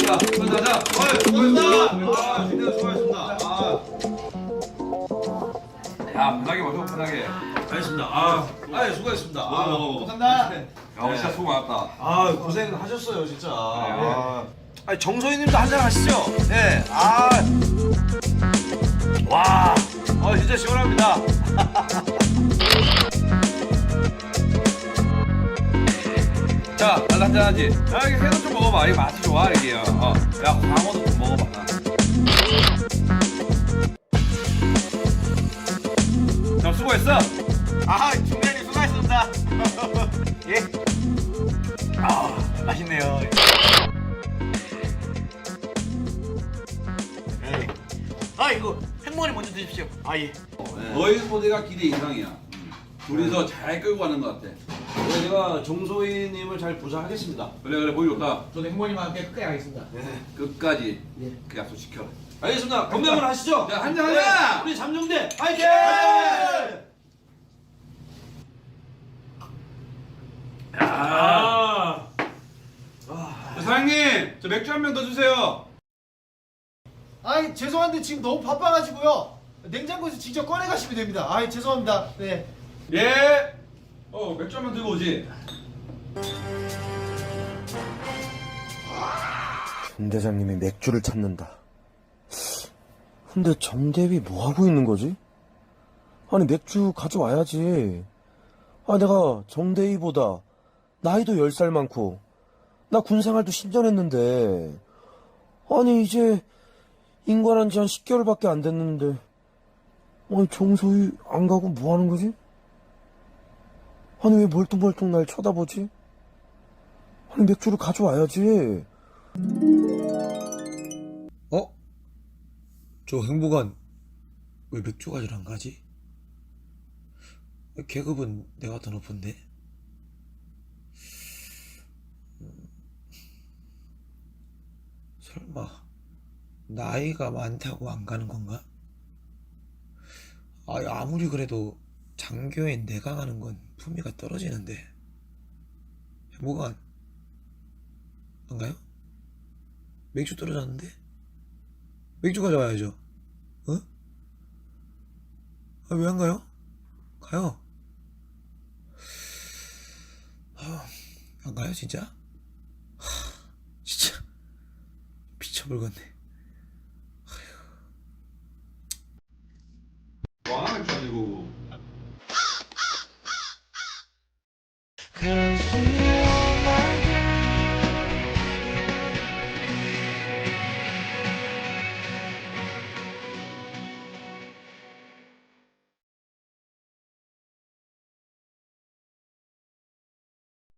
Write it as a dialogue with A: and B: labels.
A: 가자.
B: 수고하셨습니다. 진짜 수고하셨습니다.
A: 야, 편하게 마셔, 편하게.
B: 알겠습니다. 수고하셨습니다.
C: 감사합니다.
A: 야, 진짜 수고 많았다.
B: 고생하셨어요, 진짜.
C: 정소희님도 한잔 하시죠. 네. 와, 진짜 시원합니다.
A: 자, 나도 한잔 하지. 야, 이게 회도 좀 먹어봐. 이게 맛이 좋아, 이게. 야, 광어도 좀 먹어봐. 형, 수고했어.
C: 중대님 수고하셨습니다. 예. 맛있네요. 이거 행모님 먼저 드십시오. 예.
A: 너희 소대가 기대 이상이야. 둘이서 잘 끌고 가는 것 같아.
B: 제가 정소희님을 잘 부사하겠습니다.
A: 그래, 보기 좋다.
C: 저도 행모님과 함께 끝까지 가겠습니다.
A: 끝까지 그 약속 지켜.
B: 알겠습니다. 건배 한번 하시죠.
A: 자, 한잔 하자!
B: 우리 잠정대 파이팅!
A: 사장님, 저 맥주 한 병 더 주세요.
D: 죄송한데 지금 너무 바빠가지고요. 냉장고에서 직접 꺼내 가시면 됩니다. 죄송합니다. 네.
A: 예. 맥주 한 병 들고 오지.
E: 정 대장님이 맥주를 찾는다. 근데 정대위 뭐 하고 있는 거지? 아니 맥주 가져와야지. 내가 정대위보다 나이도 10살 많고 나 군생활도 10년 했는데 아니 이제 인관한 지 한 10개월밖에 안 됐는데 정소희 안 가고 뭐 하는 거지? 아니 왜 멀뚱멀뚱 날 쳐다보지? 아니 맥주를 가져와야지. 저 행복한 왜 맥주 가지러 안 가지? 계급은 내가 더 높은데? 설마 나이가 많다고 안 가는 건가? 아무리 그래도 장교인 내가 가는 건 품위가 떨어지는데. 행복한 안 가요? 맥주 떨어졌는데? 맥주 가져와야죠. 왜 안 가요? 가요. 안 가요 진짜? 진짜 미쳐버리겠네.